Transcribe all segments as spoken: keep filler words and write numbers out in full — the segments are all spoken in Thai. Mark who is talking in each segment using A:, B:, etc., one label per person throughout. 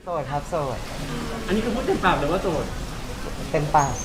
A: โสดครับโสด
B: อันนี้คือพูดเต็มปากหรือว่าโสด
A: เต็มปาก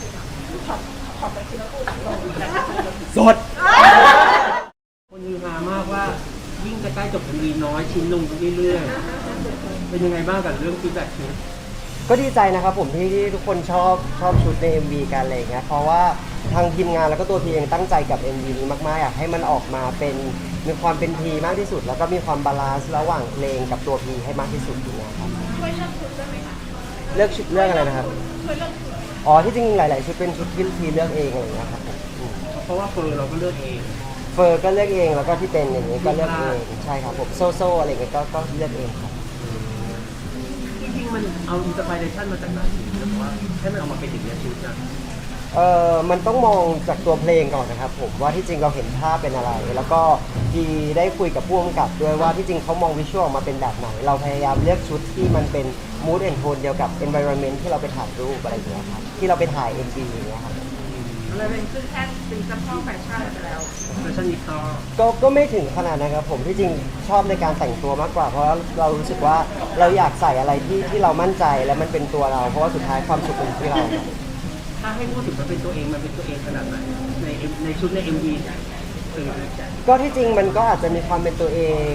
A: สด
B: คนฮือฮามากว่ายิ่งจะใกล้จบมีน้อยชิ้นลงเรื่อยๆเป็นยังไงบ้างกับเรื่องฟีดแบ็กชุด
A: ก็ดีใจนะครับผมที่ที่ทุกคนชอบชอบชุดใน เอ็ม วี กันอะไรเงี้ยเพราะว่าทางทีมงานแล้วก็ตัวพีเองตั้งใจกับ เอ็ม วี นี้มากๆอยากให้มันออกมาเป็นมีความเป็นพีมากที่สุดแล้วก็มีความบาลานซ์ระหว่างเพลงกับตัวพีให้มากที่สุดอย่างเงี้ยครับ
C: ช่วยเลือกชุดได้ไหมคะ
A: เลือกชุดเลือกอะไรนะครับ
C: ช่วยเลือกชุด
A: อ๋อที่จริงหลายๆชุดเป็นชุดที่พีเลือกเองอะไรเงี้ยครับผม
B: เพราะว่าเฟอร์เราก็เลือกเอง
A: เฟอร์ก็เลือกเองแล้วก็ที่เป็นอย่างนี้ก็เลือกเองใช่ครับผมโซโซอะไรเงี้ยก็ก็เลือกเองครับ
B: จริงๆมันเอาอินสปิเรชันมาจากไหนหรือว่าให้มันออกมาเป็นอย่างนี้ชุดนะ
A: เออมันต้องมองจากตัวเพลงก่อนนะครับผมว่าที่จริงเราเห็นภาพเป็นอะไรแล้วก็ดีได้คุยกับผู้กำกับด้วยว่าที่จริงเขามองวิชวลออกมาเป็นแบบไหนเราพยายามเลือกชุดที่มันเป็น mood and tone เดียวกับ environment ที่เราไปถ่ายรูปอะไรอย่างเงี้ยครับที่เราไปถ่าย เอ็ม วี อย่างเงี้ยครับ
C: เลยเป็นขึ้นแท่นเป็นเจ้าพ่อแฟชั่นไปแล้ว
B: แฟชั่นนิสต้า
A: ก็ก็ไม่ถึงขนาดนะครับผมที่จริงชอบในการแต่งตัวมากกว่าเพราะเรารู้สึกว่าเราอยากใส่อะไรที่ที่เรามั่นใจและมันเป็นตัวเราเพราะว่าสุดท้ายความสุขเป็นที่เรา
B: ถ้าให้พูดถึงมันเป็นตัวเองมันเป็นตัวเองขนาดไหนในในชุดใน เอ็ม วี
A: ก็ที่จริงมันก็อาจจะมีความเป็นตัวเอง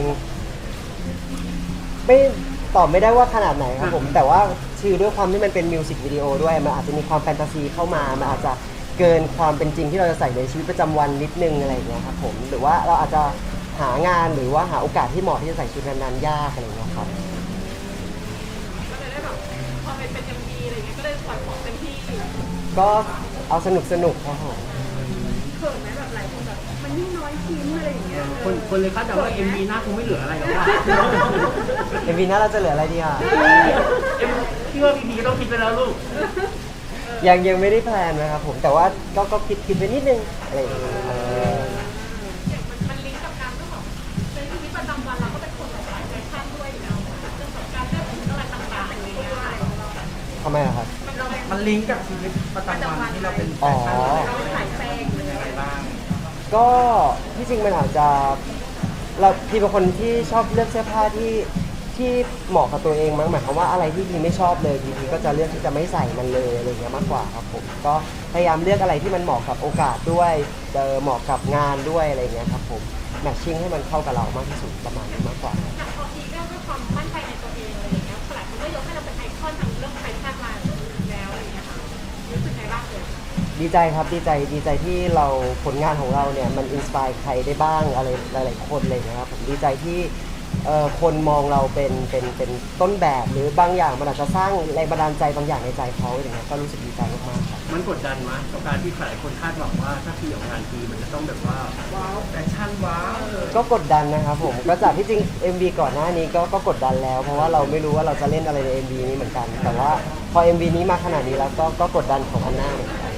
A: ไม่ตอบไม่ได้ว่าขนาดไหนครับผมแต่ว่าคือด้วยความที่มันเป็นมิวสิกวิดีโอด้วยมันอาจจะมีความแฟนตาซีเข้ามามันอาจจะเกินความเป็นจริงที่เราจะใส่ในชีวิตประจำวันนิดนึงอะไรอย่างเงี้ยครับผมหรือว่าเราอาจจะหางานหรือว่าหาโอกาสที่เหมาะที่จะใส่ชุดนั้นๆยากอะไรอย่างเงี้ยครับ
C: ก็เลยได้แบบพอเป็นเป็น เอ็ม วี อะไรเงี้ยก็เลยปล่อยของเต็มที่
A: ก็เอาสนุกสนุกครับผม
C: เขินไหมแบบหลายคนแบบมันยิ่งน้อยชิ้นอะไรอย่างเงี้ย
B: คนคนเลยคาดเดาว่า เอ็ม วี หน้าคงไม่เหลืออะไรแล้วว่า
A: เอ็ม วี หน้าเราจะเหลืออะไรดีอ่ะ
B: พี่ว่าพีพีก็ต้องคิดไปแล้วลูก
A: ยังยังไม่ได้แพลนนะครับผมแต่ว่าก็ก็คิดคิดไปนิดนึงอะไรอย่างเงี้ย
C: มันลิงก์กับการเรื่องของในชีวิตประจำวันเราก็เป็นคนแบบสายแฟชั่นด้วยอยู่แล้วเรื่องของการเลือกชุดอะไรต่างๆอะไรเงี้ย
A: ทำไมอะครับ
B: มันลิงก์กับชีวิตประจำวันที่เราเป็นแฟชั่น
C: เราเป็นสายแฟงหรืออะไรบ้าง
A: ก็ที่จริงมันอาจจะเราพี่เป็นคนที่ชอบเลือกเสื้อผ้าที่ที่เหมาะกับตัวเองมั้งหมายความว่าอะไรที่พี่ไม่ชอบเลยพี่ก็จะเลือกที่จะไม่ใส่มันเลยอะไรเงี้ยมากกว่าครับผมก็พยายามเลือกอะไรที่มันเหมาะกับโอกาสด้วยเจอเหมาะกับงานด้วยอะไรเงี้ยครับผมแมทชิ่งให้มันเข้ากับเรามากที่สุดประมาณนี้มากกว่า
C: จากพอทีเรื่องด้วยความมั่นใจในตัวเองอะไรอย่างเงี้ยหลายคนก็ยกให้เราเป็นไอคอนทางเรื่องแฟชั่นมาแล้วอะไรเงี้ยค่ะรู้สึกไงบ้างเลย
A: ดีใจครับดีใจดีใจที่เราผลงานของเราเนี่ยมันอินสไปร์ใครได้บ้างอะไรหลายๆคนเลยนะครับผมดีใจที่คนมองเราเป็นเป็นเป็นต้นแบบหรือบางอย่างมันอาจจะสร้างแรงบันดาลใจบางอย่างในใจเขาอย่างเงี้ยก็รู้สึกดีใจมากๆครับ
B: มันกดดันมั้ยกับการที่หลายคนคาดหวังว่าถ้าพี่ออกงานทีมันจะต้องแบบว่าว้าวแฟชั่นว้าว
A: ก็กดดันนะครับผมก็จากที่จริง เอ็ม วี ก่อนหน้านี้ก็ก็กดดันแล้วเพราะว่าเราไม่รู้ว่าเราจะเล่นอะไรใน เอ็ม วี นี้เหมือนกันแต่ว่าพอ เอ็ม วี นี้มาขนาดนี้แล้วก็ก็กดดันของอันน่าเหมือนกัน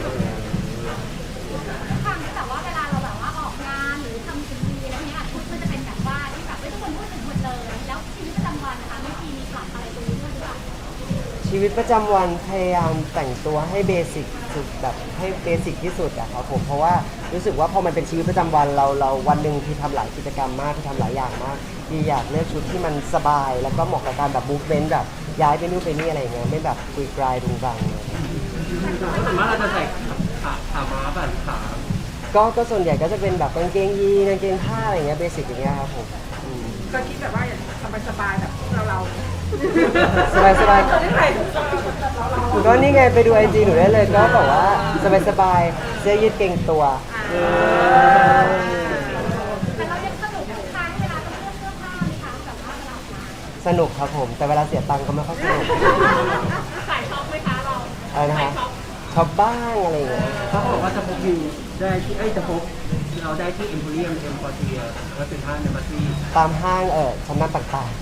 C: แต่ว่าเวลาเราแบบว่าออกงานหรือทำซีรีส์อะไรเงี้ยชุดมันจะเป็นแบบว่าที่แบบไม่ทุกคนพูดถึงหมดเลยแล้วชีวิตประจำวันนะคะไม่มีมีปรับอะไรตรงนี้ด้วยหรือเปล่า
A: ชีวิตประจำวันพยายามแต่งตัวให้เบสิกสุดแบบให้เบสิกที่สุดอะครับผมเพราะว่ารู้สึกว่าพอมันเป็นชีวิตประจำวันเราเราวันหนึ่งที่ทำหลายกิจกรรมมากที่ทำหลายอย่างมากที่อยากเลือกชุดที่มันสบายแล้วก็เหมาะกับการแบบมูฟเมนต์แบบย้ายไปนู่นไปนี่อะไรเงี้ยไม่แบบกุยกลายดุงรัง
B: สมมติเราจะใส่ขาขาม้าแบบขา
A: ก็ก็ส่วนใหญ่ก็จะเป็นแบบกางเกงยีนกางเกงผ้าอะไรเงี้ยเบสิกอย่างเงี้ยครับผม
C: ก็คิดแบบว่าสบายๆแบบเราเรา
A: สบายสบายก็นี่ไงไปดูไอจีหนูได้เลยก็บอกว่าสบายสบายเสื้อยืดเกงตัว
C: แต่เรายังสนุกทุกครั้งเวลาต้องเลือกเสื้อผ้าไหมคะแบบว่าเรา
A: สนุกครับผมแต่เวลาเสียตังค์ก็ไม่ค่อยสนุก
C: ใส่ช็อปไหมคะเรา
A: อะไรนะคะช็อปบ้างอะไรอย่างเงี้ย
B: เขาบอกว่าจะพบอยู่ได้ที่ไอ้จะพบเราได้ที่เอ็มโพเรียมเอ็มพอเทียและเป็นห้างในมาซี่
A: ตามห้างเออชั้นนำต่าง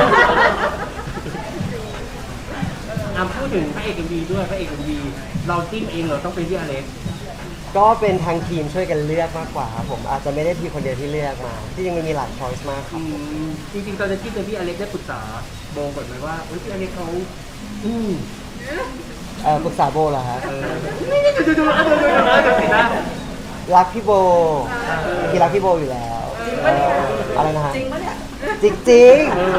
B: ๆอ่ะพูดถึงพระเอกเอ็มวีด้วยพระเอกเอ็มวีเราจิ้มเองเหรอต้องเป็นที่อเล็ก
A: ก็เป็นทางทีมช่วยกันเลือกมากกว่าครับผมอาจจะไม่ได้พี่คนเดียวที่เลือกมาที่จริงมันมีหลายช้อยส์มากครับ
B: จริงๆตอนที่เป็นพี่อเล็กได้ปรึกษาโบก่อนไหมว่าพี่อเล็กเขาอืม
A: เออปรึกษาโบเหรอฮะรักพี่โบพี่รักพี่โบอยู่แล้วอะไรนะฮะ
C: จริงปะเนี่ย
A: จริงจริง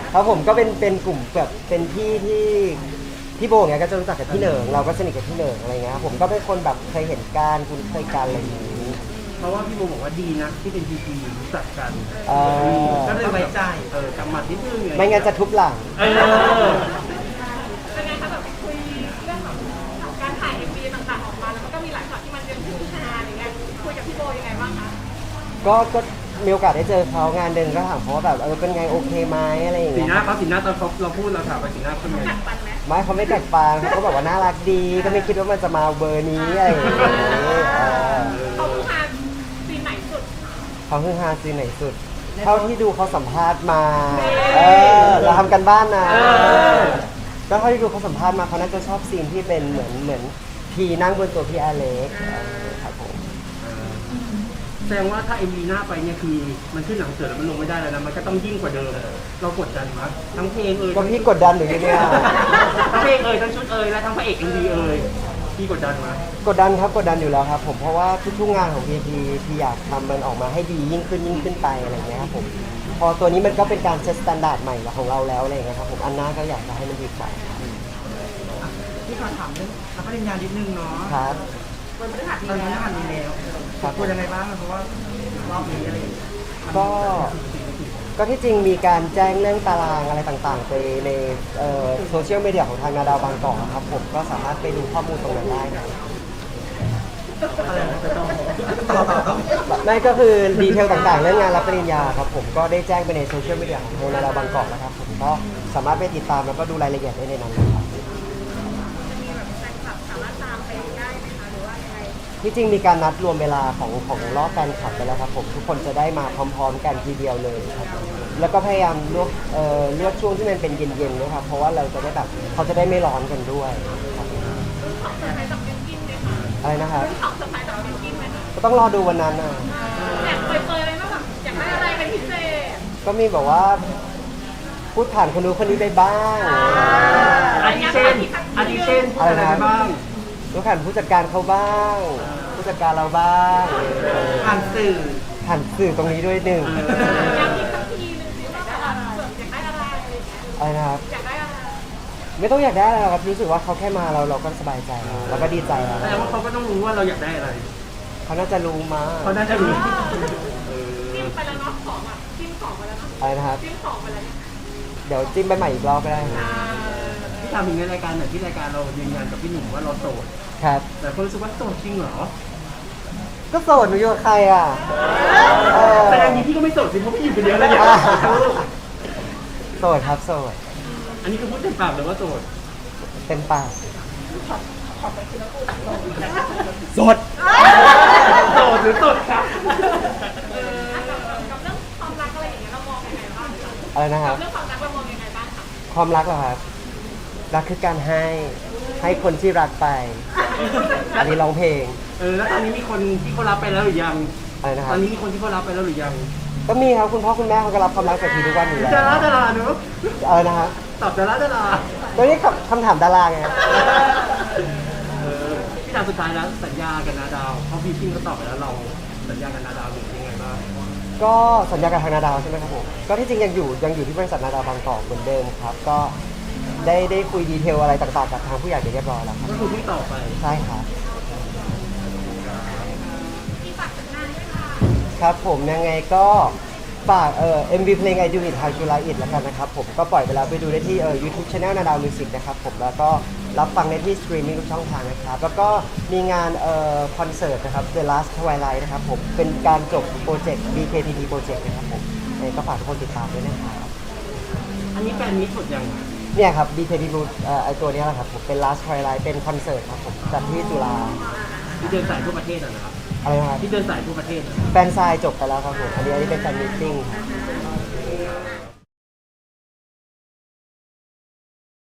A: ครับผมก็เป็นเป็นกลุ่มแบบเป็นพี่ที่พี่โบเนี่ยก็จะรู้จักกับพี่เหนิงเราก็สนิทกับพี่เหนิงอะไรเงี้ยครับผมก็เป็นคนแบบเคยเห็นการคุ้นเคยกันอะไรอย่างนี้
B: เพราะว่าพี่โมบอกว่าดีนะที่เป็นพีพีรู้จักกัน
A: เออ
B: ก็เลยไว้ใจเออกำหมัดนิดนึง
A: ไม่งั้นจะทุบหลัง
B: เออ
C: เป็นไงคะแบบคุยเรื่องของการถ่ายเอ็มวีต่างๆออกมาแล้วมันก็มีหลายช็อตที่มันเป็นผู้ชายอะไรเงี้ยคุยกับพี่โบยังไงบ้างคะ
A: ก็ก็มีโอกาสได้เจอเขางานเดินก็ถามเขาว่าแบบเออเป็นไงโอเคไหมอะไรอย่าง
B: สี
A: เงี้ย
B: หน้าเขาสีหน้าตอนเขาเราพูดเราถามไปสีหน้าเขาเป็นไง
C: กัดฟันไหม
A: ไม่เขาไม่แตกฟางเขาก็แบบว่าน่ารักดีก็ไม่คิดว่ามันจะมาเบอร์นี้อะไรอย่างเงี้ยเออ
C: เขาผู้ชายซีนไหนสุด
A: เขาเพิ่งฮาซีนไหนสุด เท่าที่ดูเขาสัมภาษณ์มา เออ เราทำกันบ้านนะก็เท่าที่ดูเขาสัมภาษณ์มาเขาน่าจะชอบซีนที่เป็นเหมือนเหมือนพีนั่งบนตัวพี่อเล็กครับผม
B: แสดงว่าถ้าเอ็มวีหน้าไปเนี่ยคือมันขึ้นหลังเสือแล้วมันลงไม่ได้แล้วนะมันก็ต้องยิ่งกว่าเดิมเรากดดันมั้ยทั้งเพลงเอ่ย
A: ก็พี่กดดันหรือยังเนี่ย
B: ทั้งเพลงเอ่ยทั้งชุดเอ่ยและทั้งพระเอกเอ็มวีเอ่ยพี่กดดันมั้ย
A: กดดันครับกดดันอยู่แล้วครับผมเพราะว่าทุกๆงานของพีพีพี่อยากทำมันออกมาให้ดียิ่งขึ้นยิ่งขึ้นไปอะไรอย่างเงี้ยครับผมพอตัวนี้มันก็เป็นการเซตมาตรฐานใหม่ของเราแล้วอะไรอย่างเงี้ยครับผมอันหน้าก็อยากจะให้มันดีกว่า
D: ที่ขอถามเรื่องรับปริญญานิดนึงเนาะ
A: ครับ
C: วันพฤหัส
D: ตอน
C: นี้
D: นี้
C: แล้ว
D: ผ่านนี้แล้ว
A: ครับ
D: ควรยังไงบ้างเพราะว่ารอบนี้อะไรอย่างเงี้ย
A: ก็ก็ที่จริงมีการแจ้งเรื่องตารางอะไรต่างๆ ไปในโซเชียลมีเดียของทางนาดาวบางกอกครับผมก็สามารถไปดูข้อมูลตรงนั้นได้นะ
D: อะไรนะจะต้องต่อต่อต้อง
A: นั่นก็คือดีเทลต่างๆ เรื่องงานรับปริญญาครับผมก็ได้แจ้งไปในโซเชียลมีเดียของทางนาดาวบางกอกนะครับผมก็สามารถไปติดตามแล้วก็ดูรายละเอียดได้ในนั้นนะครับ
C: จะมีแบบแฟนคลับสามารถตามไปได้ไหมคะหรือว่ายังไง
A: ที่จริงมีการนัดรวมเวลาของของรอบแฟนคลับไปแล้วครับผมทุกคนจะได้มาพร้อมๆกันทีเดียวเลยครับแล้วก็พยายามเลือกเอ่อเลือกช่วงที่มันเป็นเย็นๆนะครับเพราะว่าเราจะได้แบบเขาจะได้ไม่ร้อนกันด้วยครับ
C: ของเซอร์ไพรส์จากเบนกินไหมคะ
A: อะไรนะครับ
C: ของเซอร์ไพรส์จากเบนกินไหมคะ
A: ก็ต้องรอดูวันนั้นนะ
C: อยากเปยๆเลยว่าแบบอยากได้อะไรเป็นพิเศษ
A: ก็มีแบบว่าพูดผ่านคนนู้นคนนี้ไปบ้าง
B: อาทิเช่นอาทิเช่นพูดอะไรไปบ้าง
A: พูดผ่านผู้จัดการเขาบ้าง ผู้จัดการเราบ้าง
D: ผ่านสื่อ
A: ผ่านสื่อตรงนี้ด้วยหนึ่ง
C: อยากกินสักทีนึงสิว่าแบบอยากได้อะไรอะไรอย่างเงี้ย
A: อะไรนะครับ
C: อยากได้อะไร
A: ไม่ต้องอยากได้อะไรหรอกครับรู้สึกว่าเขาแค่มาเราเราก็สบายใจแล้วเราก็ดีใจแล้ว
B: แสดงว่าเขาก็ต้องรู้ว่าเราอยากได้อะไร
A: เขาน่าจะรู้มา
B: เขาน่าจะรู้
C: จิ้มไปแล้วเนาะของอ่ะจิ้มของไปแล้วเนาะ
A: อะไรนะครับ
C: จิ้มของไปแล้วเนี่ย
A: เดี๋ยวจิ้มไปใหม่อีกรอบก็ได้ครับ
B: ที่ทำถึงในรายการไหนที่รายการเรายืนยันกับพี่หนุ่มว่าเราโสด
A: ครับ
B: แต่คนรู้สึกว่าโสดจริงเหรอ
A: ก็โสดหนูอยู่กับใครอ่ะเออ
B: แต่อันนี้พี่ก็ไม่โสดสิเพราะพี่อยู่คนเดียวแล้วเนี่ย
A: โสดครับโสด
B: อันนี้คือพูดเต็มปากเลยว่าโสด
A: เต็มปากสด
B: โสดหรือโสดครับ
C: กับเรื่องความรักอะไรอย่างเงี้ยเรามองยังไงบ้างคะ
A: อะไรนะครับ
C: เรื่องความรักเรามองยังไงบ้างคะ
A: ความรักเหรอครับรักคือการให้ให้คนที่รักไป อันนี้ร้องเพลง
B: เออแล้วตอนนี้มีคนที่เขารับไปแล้วหรือยัง
A: อะไรนะค
B: ต
A: รั
B: อบ นนี้มีคนที่เขารับไปแล้วหรือยัง
A: ก็มีครับคุณพ่อคุณแม่เขาก็รับความรักจากทีทุกวันอยู่แล้ว
B: ดาราดาราเนอะ
A: อะไรนะครับ
B: ตอบดาราดารา
A: ตัวนี้คำคำถามดาราไง
B: เออพี่ถามสุดท้ายแล้วสัญญากับนาดาวเพราะพี่พิงก็ตอบไปแล้วเราสัญญากับนาดาวหรือยังไงบ้าง
A: ก็สัญญากับทางนาดาวใช่ไหมครับผมก็ที่จริงยังอยู่ยังอยู่ที่บริษัทนาดาวบางกอกเหมือนเดิมครับ ก็ได้ได้คุยดีเทลอะไรต่างๆกับทางผู้ใหญ่ไปเรียบร้อยแล้วครับ
B: ก็คือพี่ต่อไป
A: ใช่ครับ
C: ที่ฝากถึงงานด้วยค่ะ
A: ครับผมยังไงก็ฝากเอ่อ เอ็ม วี เพลง I Do It How You Like It แล้วกันนะครับผมก็ปล่อยไปแล้วไปดูได้ที่เอ่อ YouTube Channel นาดาวมิวสิกนะครับผมแล้วก็รับฟังได้ที่สตรีมมิ่งทุกช่องทางนะครับ แล้วก็มีงานเอ่อคอนเสิร์ตนะครับ The Last Twilight นะครับผมเป็นการจบโปรเจกต์ บี เค ที ดี โปรเจกต์นะครับผมยังไงก็ฝากทุกคนติดตามด้วยนะครับ
B: อันนี้แฟนมิตรหมดยังอะ
A: เนี่ยครับ บี เค ที ดี เอ่อไอตัวเนี้ยแหละครับผมเป็น Last Twilight เป็นคอนเสิร์ตครับผมจัดที่จุฬา
B: ที่เดินสายทั่วประเทศอะนะครับ
A: อะไรนะครับ
B: ที่เดินสายทั่วประเทศอะ
A: แฟนซายจบไปแล้วครับผมอันนี้อันนี้เป็นแฟนมิทติ้งครับ